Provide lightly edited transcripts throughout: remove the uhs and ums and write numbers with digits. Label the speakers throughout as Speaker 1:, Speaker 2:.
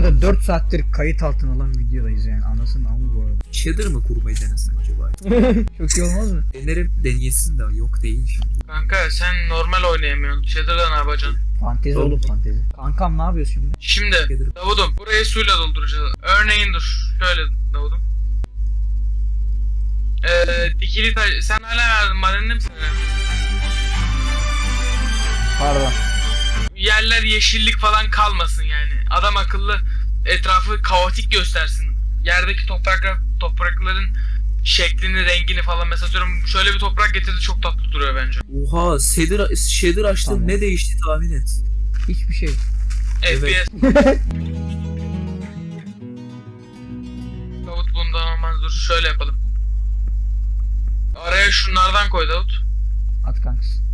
Speaker 1: arada 4 saattir kayıt altına alan videodayız yani. Anasının amı bu arada.
Speaker 2: Shader mı kurmayı denesem acaba?
Speaker 1: Çok iyi olmaz mı?
Speaker 2: Denerim deneyesin de yok değil şimdi.
Speaker 3: Kanka sen normal oynayamıyorsun. Shader'da ne yapacaksın?
Speaker 1: Fantezi oğlum fantezi. Kankam ne yapıyorsun şimdi?
Speaker 3: Şimdi
Speaker 2: Shader.
Speaker 3: Davud'um burayı suyla dolduracağız. Örneğin dur. Şöyle Davud'um. Dikili taş... Sen hala verdin madenini mi sen?
Speaker 1: Pardon.
Speaker 3: Yerler yeşillik falan kalmasın yani. Adam akıllı etrafı kaotik göstersin. Yerdeki toprakların şeklini, rengini falan mesela diyorum şöyle bir toprak getirdi çok tatlı duruyor bence.
Speaker 2: Oha shader açtım
Speaker 1: Tamam.
Speaker 2: ne değişti tahmin et.
Speaker 1: Hiçbir şey.
Speaker 3: FPS. Davut bundan olmaz dur şöyle yapalım. Araya şunlardan koy Davut.
Speaker 1: At kankası.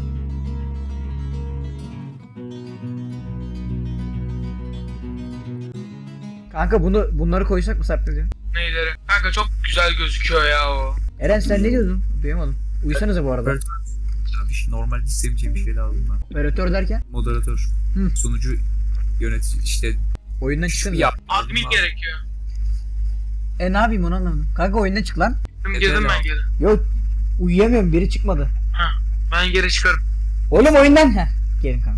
Speaker 1: Kanka bunları koysak mı Sarp diyor?
Speaker 3: Neyleri? Kanka çok güzel gözüküyor ya o.
Speaker 1: Eren sen ne diyordun? Duyamadım. Uyusanıza bu arada.
Speaker 2: Ya normal istemeyeceğim bir şey lazım ben.
Speaker 1: Operatör derken
Speaker 2: Moderatör.
Speaker 1: Hı.
Speaker 2: Sunucu yönetici işte
Speaker 1: oyundan çıkın.
Speaker 2: yap.
Speaker 3: Admin gerekiyor.
Speaker 1: Ne yapayım onu anlamadım. Kanka oyundan çık lan.
Speaker 3: Girdim ben geri.
Speaker 1: Yok uyuyamıyorum biri çıkmadı.
Speaker 3: Ha, ben geri çıkarım.
Speaker 1: Oğlum oyundan. Heh. Gelin kanka.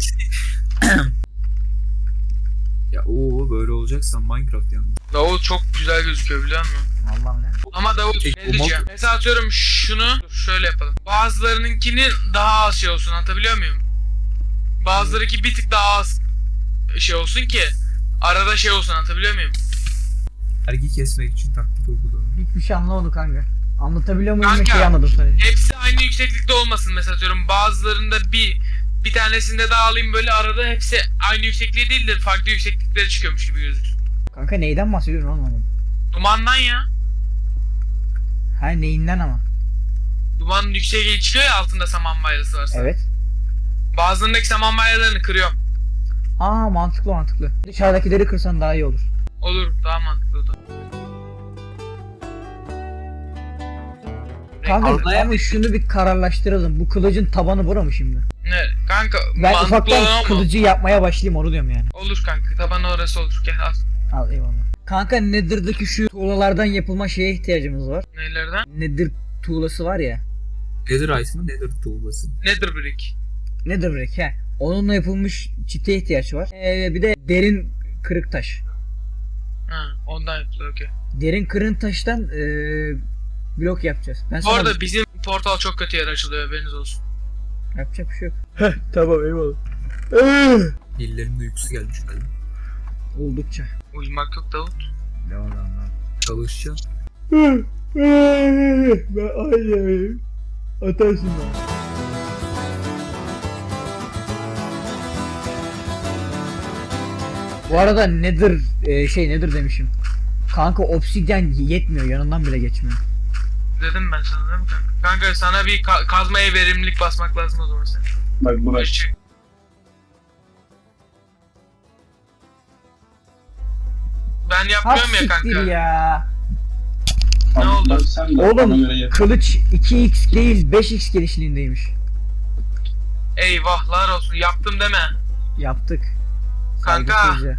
Speaker 2: Ya böyle olacaksa Minecraft yalnız.
Speaker 3: Davut çok güzel gözüküyor biliyor musun?
Speaker 1: Allah'ım ne?
Speaker 3: Ama Davut
Speaker 2: Peki,
Speaker 3: ne diyeceğim? Mesela atıyorum şunu dur, şöyle yapalım. Bazılarınınkini daha az şey olsun anlatabiliyor muyum? Bazılarınki bir tık daha az şey olsun ki arada şey olsun anlatabiliyor muyum?
Speaker 2: Vergi kesmek için taklit uyguladı.
Speaker 1: Hiçbir şey anlamadım kanka. Anlatabiliyor muyum?
Speaker 3: Kanka,
Speaker 1: Bir şey anladım sadece.
Speaker 3: Hepsi aynı yükseklikte olmasın mesela atıyorum bazılarında bir tanesinde daha alayım böyle arada hepsi aynı yüksekliğe değil de farklı yüksekliklere çıkıyormuş gibi gözüküyor.
Speaker 1: Kanka neyden bahsediyorsun anlamadım.
Speaker 3: Dumandan ya.
Speaker 1: Ha neyinden ama.
Speaker 3: Dumanın yüksekliği çıkıyor ya altında saman bayrası varsa.
Speaker 1: Evet.
Speaker 3: Bazılarındaki saman bayralarını kırıyorum.
Speaker 1: Aa mantıklı. Dışarıdakileri kırsan daha iyi olur.
Speaker 3: Olur daha mantıklı o da.
Speaker 1: Kanka ama şunu bir kararlaştıralım. Bu kılıcın tabanı bura mı şimdi?
Speaker 3: Ne kanka
Speaker 1: Ben
Speaker 3: mantıklı
Speaker 1: ufaktan
Speaker 3: olan ama.
Speaker 1: kılıcı yapmaya başlayayım onu diyorum yani.
Speaker 3: Olur kanka tabanı orası olur gel al.
Speaker 1: Al eyvallah. Kanka Nether'daki şu tuğlalardan yapılma şeye ihtiyacımız var.
Speaker 3: Neylerden?
Speaker 1: Nether tuğlası var ya.
Speaker 2: Nether Ice mı Nether tuğlası?
Speaker 3: Nether brick.
Speaker 1: Nether brick he. Onunla yapılmış çite ihtiyaç var. Bir de derin kırık taş.
Speaker 3: Ha ondan yapılıyor okey.
Speaker 1: Derin kırık taştan blok yapacağız. Ben
Speaker 3: Bu
Speaker 1: sana
Speaker 3: arada bizim portal çok kötü yer açılıyor haberiniz olsun.
Speaker 1: yapacak bir şey yok. Heh tamam eyvallah.
Speaker 2: Dillerin uykusu gelmiş galiba.
Speaker 1: Oldukça.
Speaker 3: Uyumak yok Davut.
Speaker 1: Devam.
Speaker 2: Çalışacaksın.
Speaker 1: Ben aynıyım. Atarsın ben. Bu arada Nether Nether demişim. Kanka obsidyen yetmiyor yanından bile geçmiyor.
Speaker 3: Dedim ben sana değil mi kanka? Kanka sana bir kazmaya verimlilik basmak lazım o zaman sen.
Speaker 4: Bak bu bak.
Speaker 3: Çık. Ben yapmıyorum ya
Speaker 1: Siktir
Speaker 3: kanka.
Speaker 1: ya.
Speaker 3: Ne oldu?
Speaker 4: Bak sen de
Speaker 1: Oğlum,
Speaker 4: ona göre yap.
Speaker 1: Kılıç 2x değil 5x genişliğindeymiş.
Speaker 3: Eyvahlar olsun yaptım deme.
Speaker 1: Yaptık.
Speaker 3: Kanka.
Speaker 1: Saygısızca.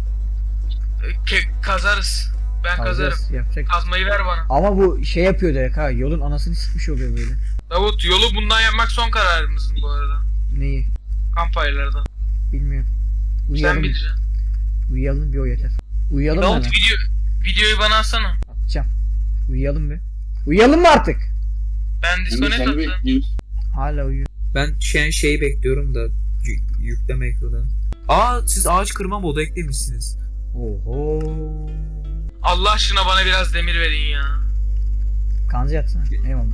Speaker 3: Kazarız. Ben kazarım.
Speaker 1: Kazacağız, yapacak.
Speaker 3: Kazmayı ver bana.
Speaker 1: Ama bu şey yapıyor direkt ha. Yolun anasını sikmiş oluyor böyle.
Speaker 3: Davut yolu bundan yapmak son kararımızın bu arada.
Speaker 1: Neyi?
Speaker 3: Campfire'lardan.
Speaker 1: Bilmiyorum.
Speaker 3: Sen
Speaker 1: Uyuyalım.
Speaker 3: bileceksin.
Speaker 1: Uyuyalım bir o yeter. Uyuyalım mı
Speaker 3: Davut
Speaker 1: hemen?
Speaker 3: videoyu bana atsana.
Speaker 1: Atacağım. Uyuyalım bir. Uyuyalım mı artık?
Speaker 3: Ben
Speaker 4: Şimdi
Speaker 3: disconnect
Speaker 4: seni
Speaker 3: atacağım.
Speaker 4: bekliyoruz.
Speaker 1: Hala uyuyor.
Speaker 2: Ben şeyi bekliyorum da yükleme ekranı. Siz ağaç kırma modu eklemişsiniz.
Speaker 1: Oho.
Speaker 3: Allah aşkına bana biraz demir verin ya.
Speaker 1: Kanzi yatsana. Eyvallah.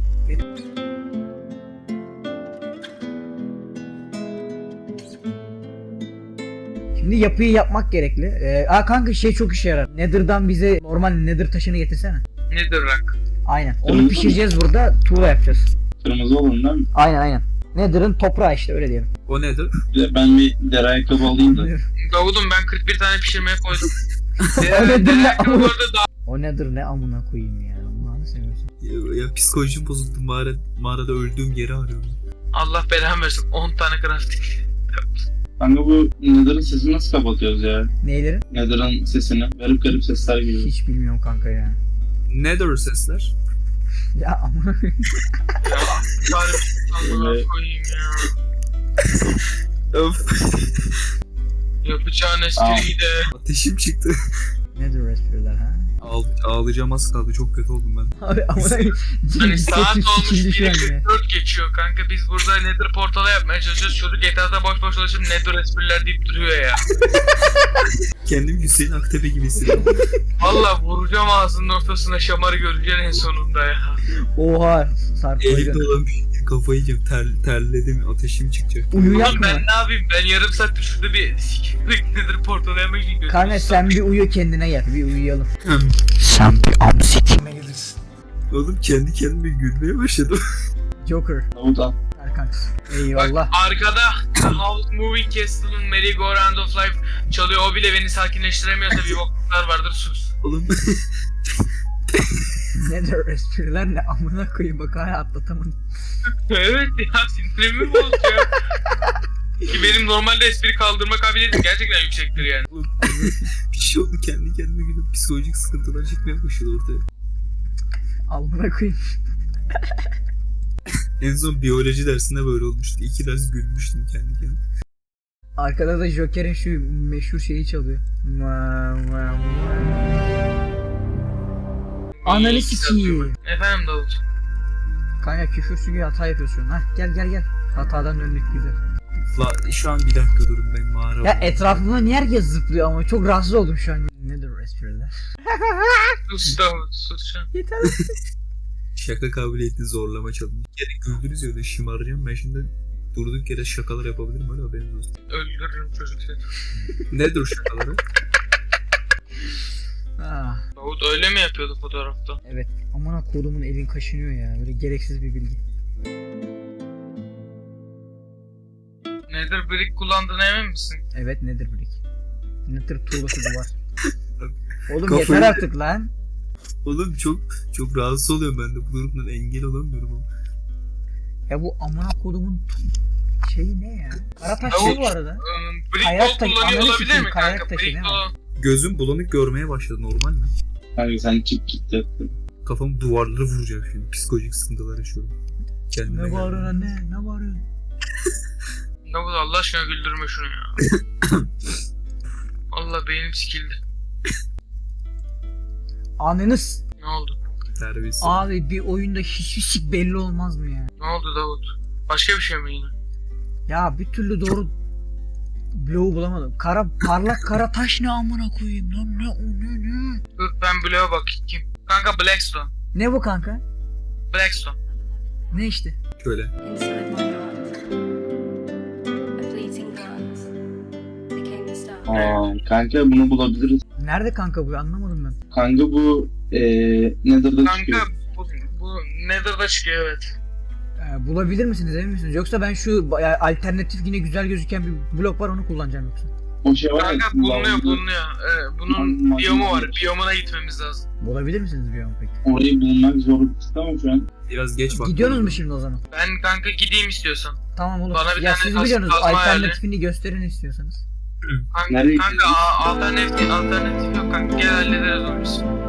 Speaker 1: Şimdi yapıyı yapmak gerekli. Kanka şey çok işe yarar. Nether'dan bize normal Nether taşını getirsene.
Speaker 3: Nedir rak?
Speaker 1: Aynen. Onu
Speaker 4: Kırmızı
Speaker 1: pişireceğiz burada. Tuğla yapacağız.
Speaker 4: Kırmızı olan değil mi?
Speaker 1: Aynen. Nether'ın toprağı işte öyle diyelim.
Speaker 2: O nedir?
Speaker 4: Bir de ben bir deri ayakkabı alayım da.
Speaker 3: Davud'um ben 41 tane pişirmeye koydum.
Speaker 1: O nedir
Speaker 3: Diğer
Speaker 1: ne
Speaker 3: ayakkabı bu arada daha...
Speaker 1: O nedir ne amına koyayım ya. Allah'ını seviyorsun.
Speaker 2: Ya psikolojim bozuldu mağarada öldüğüm yeri arıyorum.
Speaker 3: Allah belamı versin 10 tane crafting.
Speaker 4: Kanka bu Nether'ın sesini nasıl kapatıyoruz ya?
Speaker 1: Neyleri?
Speaker 4: Nether'ın sesini. Garip garip sesler geliyor.
Speaker 1: Hiç bilmiyorum kanka ya.
Speaker 2: Nether sesler.
Speaker 1: Ya amına koyayım.
Speaker 3: Ya garip amına koyayım ya.
Speaker 2: Öf.
Speaker 3: Yapacağın espriyi de.
Speaker 2: Ateşim çıktı.
Speaker 1: Nedir espriler ha?
Speaker 2: Ağlayacağım az kaldı. Çok kötü oldum ben.
Speaker 1: Abi amına koyayım.
Speaker 3: Hani saat
Speaker 1: Sesim
Speaker 3: olmuş
Speaker 1: sikildi şu an ya.
Speaker 3: 1.44 geçiyor kanka, biz burada Nether portalı yapmaya çalışıyoruz. Çocuk GTA'da boş boş dolaşıp Nether espriler deyip duruyor ya.
Speaker 2: Kendimi Hüseyin Aktepe gibi hissediyorum.
Speaker 3: Valla vuracağım ağzının ortasına, şamarı göreceksin en sonunda ya.
Speaker 1: Oha Sarp
Speaker 2: Elimde
Speaker 1: koydu.
Speaker 2: olan bir şey kafayı yiyeceğim. Terledim. Ateşim çıkacak.
Speaker 1: Uyuyak
Speaker 3: Oğlum
Speaker 1: mı?
Speaker 3: ben ne yapayım? Ben yarım saattir şurada bir sikimlik Nether portalı yapmak için gözümü
Speaker 1: Kanka sen bir uyu kendine gel. Bir uyuyalım.
Speaker 2: Hem.
Speaker 1: Sen bir am sikime gelirsin.
Speaker 2: Oğlum kendi kendime gülmeye başladım.
Speaker 1: Joker.
Speaker 4: Davut al.
Speaker 1: Ver kanka.
Speaker 3: Bak
Speaker 1: Eyvallah.
Speaker 3: arkada The House Moving Castle'ın Merry Go Round of Life çalıyor. O bile beni sakinleştiremiyorsa bir bokluklar vardır, sus.
Speaker 2: Oğlum
Speaker 1: Nedir espriler ne amına koyayım bak hala atlatamadım.
Speaker 3: Evet ya, sinirimi bozuyor. Ki benim normalde espri kaldırma kabiliyetim gerçekten yüksektir yani.
Speaker 2: bir şey oldu, kendi kendime gülüp psikolojik sıkıntılar çıkmaya başladı ortaya.
Speaker 1: Amına koyayım.
Speaker 2: En son biyoloji dersinde böyle olmuştu. 2 ders gülmüştüm kendi kendime.
Speaker 1: Arkada da Joker'in şu meşhur şeyi çalıyor. Ananı sikiyim.
Speaker 3: Efendim Davut.
Speaker 1: Kanka küfür çünkü hata yapıyorsun. Hah gel. Hatadan döndük güzel.
Speaker 2: La şu an bir dakika durun, ben mağara.
Speaker 1: Ya etrafımda niye herkes zıplıyor ama çok rahatsız oldum şu an. Nedir espriler?
Speaker 3: Sus Davut, sus şu an.
Speaker 1: Yeter.
Speaker 2: Şaka kabiliyetini zorlama challenge. Bir kere güldünüz ya, öyle şımaracağım ben şimdi. Durduk yere şakalar yapabilirim, öyle haberiniz olsun.
Speaker 3: Öldürürüm çocuk seni.
Speaker 2: Nedir o şakaları?
Speaker 1: Ah,
Speaker 3: Davut öyle mi yapıyordu fotoğrafta?
Speaker 1: evet. Amına kodumun elin kaşınıyor ya. Böyle gereksiz bir bilgi.
Speaker 3: Nether brick kullandığına emin misin?
Speaker 1: Evet nedir bilik? Nedir tuğlası duvar. Oğlum
Speaker 2: Kafayı-
Speaker 1: yeter artık lan.
Speaker 2: Oğlum çok rahatsız oluyorum ben de bu durumdan, engel olamıyorum ama.
Speaker 1: Ya bu amına kodumun şeyi ne ya? Karataş
Speaker 3: Davut,
Speaker 1: ne bu arada?
Speaker 3: Brick
Speaker 1: Kayak
Speaker 3: wall
Speaker 1: taşı-
Speaker 3: kullanıyor
Speaker 1: ananı
Speaker 3: olabilir
Speaker 1: sikeyim,
Speaker 3: mi
Speaker 1: kayak
Speaker 3: kanka?
Speaker 1: taşı
Speaker 3: Brick
Speaker 1: değil mi?
Speaker 3: wall.
Speaker 2: Gözüm bulanık görmeye başladı, normal mi?
Speaker 4: Kanka sen çık git yattın.
Speaker 2: Kafam duvarları vuracak şimdi, psikolojik sıkıntılar yaşıyorum. Kendime
Speaker 1: Ne
Speaker 2: geldim.
Speaker 1: bağırıyorsun anne? Ne bağırıyorsun?
Speaker 3: Davut Allah aşkına güldürme şunu ya. Allah beynim sikildi.
Speaker 1: Anınız.
Speaker 3: Ne oldu?
Speaker 2: Terbiyesiz.
Speaker 1: Abi bir oyunda hiçbir şey belli olmaz mı ya?
Speaker 3: Ne oldu Davut? Başka bir şey mi yine?
Speaker 1: Ya bir türlü doğru bloğu bulamadım. Parlak kara taş ne amına koyayım lan ne?
Speaker 3: Dur ben bloğa bakayım. Kanka Blackstone.
Speaker 1: Ne bu kanka?
Speaker 3: Blackstone.
Speaker 1: Ne işte?
Speaker 2: Şöyle.
Speaker 5: Inside my heart, a fleeting glance became the start.
Speaker 4: Kanka bunu bulabiliriz.
Speaker 1: Nerede kanka bu anlamadım ben.
Speaker 4: Kanka bu Nether'da
Speaker 3: Kanka
Speaker 4: çıkıyor.
Speaker 3: bu Nether'da çıkıyor, evet.
Speaker 1: Bulabilir misiniz emin misiniz? Yoksa ben şu alternatif yine güzel gözüken bir blok var onu kullanacağım yoksa.
Speaker 4: O şey var ya.
Speaker 3: Kanka bulunuyor. Bunun
Speaker 4: Lan-
Speaker 3: biyomu var. Biyomuna gitmemiz lazım.
Speaker 1: Bulabilir misiniz bir an peki?
Speaker 4: Orayı bulmak zor bir tık ama şu an.
Speaker 2: Biraz geç bak.
Speaker 1: Gidiyorsunuz mu şimdi o zaman?
Speaker 3: Ben kanka gideyim istiyorsan.
Speaker 1: Tamam olur.
Speaker 3: Bana bir
Speaker 1: Ya
Speaker 3: tane
Speaker 1: siz
Speaker 3: kazma
Speaker 1: biliyorsunuz
Speaker 3: ayarla.
Speaker 1: alternatifini gösterin istiyorsanız.
Speaker 3: Kanka,
Speaker 4: Nereye
Speaker 3: kanka alternatif yok kanka. Gel hallederiz onu biz.